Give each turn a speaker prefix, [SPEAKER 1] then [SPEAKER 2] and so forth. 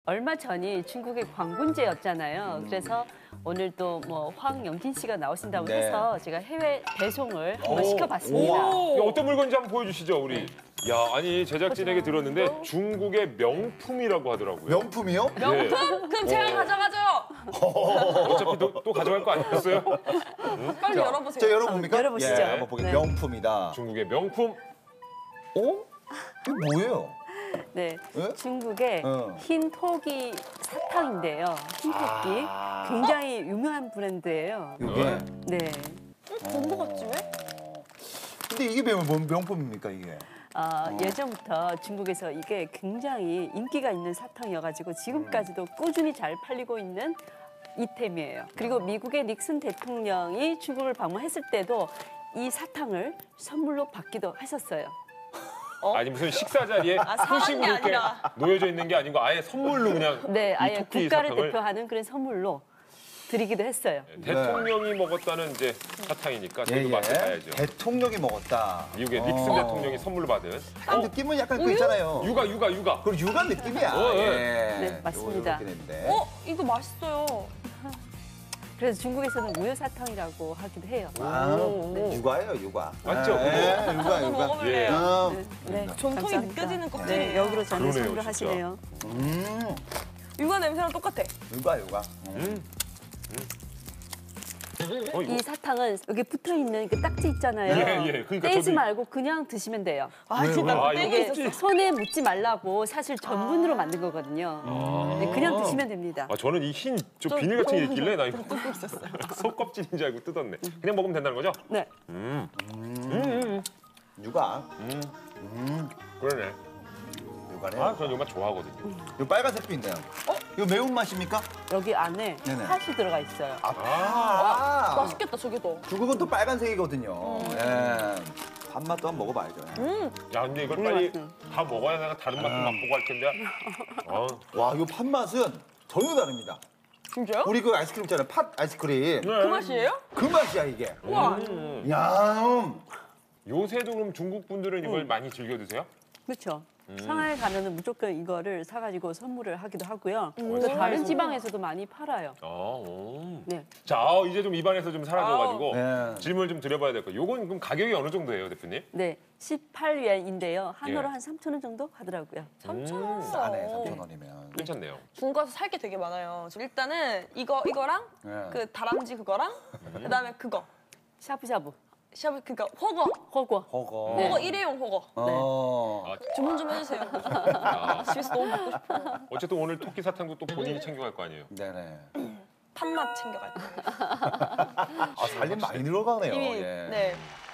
[SPEAKER 1] 얼마 전이 중국의 광군제였잖아요. 그래서 오늘 또 뭐 황영진 씨가 나오신다고
[SPEAKER 2] 네.
[SPEAKER 1] 해서 제가 해외 배송을 한번 시켜봤습니다.
[SPEAKER 3] 이게 어떤 물건인지 한번 보여주시죠, 우리. 야, 아니 제작진에게 들었는데 중국의 명품이라고 하더라고요.
[SPEAKER 2] 명품이요?
[SPEAKER 3] 네.
[SPEAKER 4] 그럼 제가 가져가죠.
[SPEAKER 3] 어차피 또 가져갈 거 아니었어요?
[SPEAKER 4] 빨리 열어보세요.
[SPEAKER 2] 자, 열어봅니까?
[SPEAKER 1] 열어보시죠.
[SPEAKER 2] 예, 한번 보게.
[SPEAKER 1] 네.
[SPEAKER 2] 명품이다.
[SPEAKER 3] 중국의 명품.
[SPEAKER 2] 어? 이게 뭐예요?
[SPEAKER 1] 네,
[SPEAKER 2] 예?
[SPEAKER 1] 중국의 흰 토끼 사탕인데요. 흰 토끼 굉장히 유명한 브랜드예요.
[SPEAKER 2] 이게?
[SPEAKER 1] 네,
[SPEAKER 4] 본거 같지 왜?
[SPEAKER 2] 근데 이게 뭔 명품입니까, 이게?
[SPEAKER 1] 예전부터 중국에서 이게 굉장히 인기가 있는 사탕이어가지고 지금까지도 꾸준히 잘 팔리고 있는 이템이에요. 그리고 미국의 닉슨 대통령이 중국을 방문했을 때도 이 사탕을 선물로 받기도 했었어요.
[SPEAKER 3] 아니 무슨 식사 자리에
[SPEAKER 4] 사는
[SPEAKER 3] 소식으로
[SPEAKER 4] 게
[SPEAKER 3] 이렇게
[SPEAKER 4] 아니라.
[SPEAKER 3] 놓여져 있는 게 아니고 아예 선물로 그냥
[SPEAKER 1] 네,
[SPEAKER 3] 이
[SPEAKER 1] 아예
[SPEAKER 3] 토끼
[SPEAKER 1] 국가를
[SPEAKER 3] 사탕을
[SPEAKER 1] 대표하는 그런 선물로 드리기도 했어요.
[SPEAKER 3] 대통령이 먹었다는 이제 사탕이니까 저희도 맛을 봐야죠.
[SPEAKER 2] 대통령이 먹었다.
[SPEAKER 3] 미국의 닉슨 대통령이 선물로 받은
[SPEAKER 2] 약간 느낌은 약간 그 있잖아요.
[SPEAKER 3] 육아.
[SPEAKER 2] 그리고 육아 느낌이야.
[SPEAKER 1] 네, 맞습니다.
[SPEAKER 4] 이거 맛있어요.
[SPEAKER 1] 그래서 중국에서는 우유사탕이라고 하기도 해요.
[SPEAKER 2] 육아예요, 육아.
[SPEAKER 3] 맞죠?
[SPEAKER 2] 육아,
[SPEAKER 4] 저도
[SPEAKER 2] 육아.
[SPEAKER 4] 먹어볼래요.
[SPEAKER 1] 네,
[SPEAKER 4] 전통이
[SPEAKER 1] 감사합니다.
[SPEAKER 4] 느껴지는 껍질이에요.
[SPEAKER 1] 네, 여기로 저는
[SPEAKER 3] 그러네요,
[SPEAKER 1] 선물을
[SPEAKER 3] 진짜.
[SPEAKER 1] 하시네요.
[SPEAKER 4] 육아 냄새랑 똑같아.
[SPEAKER 2] 육아, 육아.
[SPEAKER 1] 이 사탕은 여기 붙어 있는 그 딱지 있잖아요.
[SPEAKER 3] 예, 그러니까
[SPEAKER 1] 떼지
[SPEAKER 3] 저도
[SPEAKER 1] 말고 그냥 드시면 돼요.
[SPEAKER 4] 진짜
[SPEAKER 3] 아,
[SPEAKER 4] 떼고
[SPEAKER 3] 이거
[SPEAKER 4] 있었어.
[SPEAKER 1] 손에 묻지 말라고 사실 전분으로 만든 거거든요. 네, 그냥 드시면 됩니다.
[SPEAKER 3] 저는 이 흰 저 비닐 같은 게 있길래 나 이거 속껍질인 줄 알고 뜯었네. 그냥 먹으면 된다는 거죠?
[SPEAKER 1] 네.
[SPEAKER 2] 육아.
[SPEAKER 3] 그러네.
[SPEAKER 2] 육아네.
[SPEAKER 3] 저는 이거 맛 좋아하거든요.
[SPEAKER 2] 이 빨간색도 있네요. 이거 매운 맛입니까?
[SPEAKER 1] 여기 안에
[SPEAKER 2] 네네.
[SPEAKER 1] 팥이 들어가 있어요.
[SPEAKER 4] 맛있겠다 저기도.
[SPEAKER 2] 중국은 또 빨간색이거든요. 예. 밥맛도 한번 먹어봐야죠.
[SPEAKER 3] 야, 근데 이걸 빨리 다 먹어야 내가 다른 맛도 맛보고 할 텐데.
[SPEAKER 2] 와, 이 팥맛은 전혀 다릅니다.
[SPEAKER 4] 진짜요?
[SPEAKER 2] 우리 그 아이스크림 있잖아요. 팥 아이스크림.
[SPEAKER 4] 그 맛이에요?
[SPEAKER 2] 그 맛이야, 이게.
[SPEAKER 4] 우와.
[SPEAKER 2] 야,
[SPEAKER 3] 요새도 그럼 중국 분들은 이걸 많이 즐겨 드세요?
[SPEAKER 1] 그렇죠. 상하이 가면은 무조건 이거를 사가지고 선물을 하기도 하고요. 또 다른 지방에서도 많이 팔아요. 네.
[SPEAKER 3] 자, 이제 좀 입안에서 좀 사라져가지고
[SPEAKER 2] 네.
[SPEAKER 3] 질문을 좀 드려봐야 될 거예요. 요건 그럼 가격이 어느 정도예요, 대표님?
[SPEAKER 1] 네, 18위안인데요. 한화로
[SPEAKER 3] 예.
[SPEAKER 1] 한 3,000원 정도 하더라고요.
[SPEAKER 4] 3,000원.
[SPEAKER 2] 싸네, 3,000원이면.
[SPEAKER 3] 괜찮네요.
[SPEAKER 4] 중국 가서 살 게 되게 많아요. 일단은 이거랑
[SPEAKER 2] 네.
[SPEAKER 4] 그 다람쥐 그거랑 그다음에 그거.
[SPEAKER 1] 샤브샤브,
[SPEAKER 4] 샤브 그러니까 호거.
[SPEAKER 1] 허거.
[SPEAKER 2] 허거.
[SPEAKER 1] 네.
[SPEAKER 4] 호거 일회용 호거. 주문 좀 해주세요. 집에서 너무 먹고 싶어.
[SPEAKER 3] 어쨌든 오늘 토끼 사탕도 또 본인이 챙겨갈 거 아니에요?
[SPEAKER 2] 네네.
[SPEAKER 4] 팥맛 챙겨갈 거예요.
[SPEAKER 2] 살림 많이 늘어가네요.
[SPEAKER 4] 이미
[SPEAKER 2] 예.
[SPEAKER 4] 네.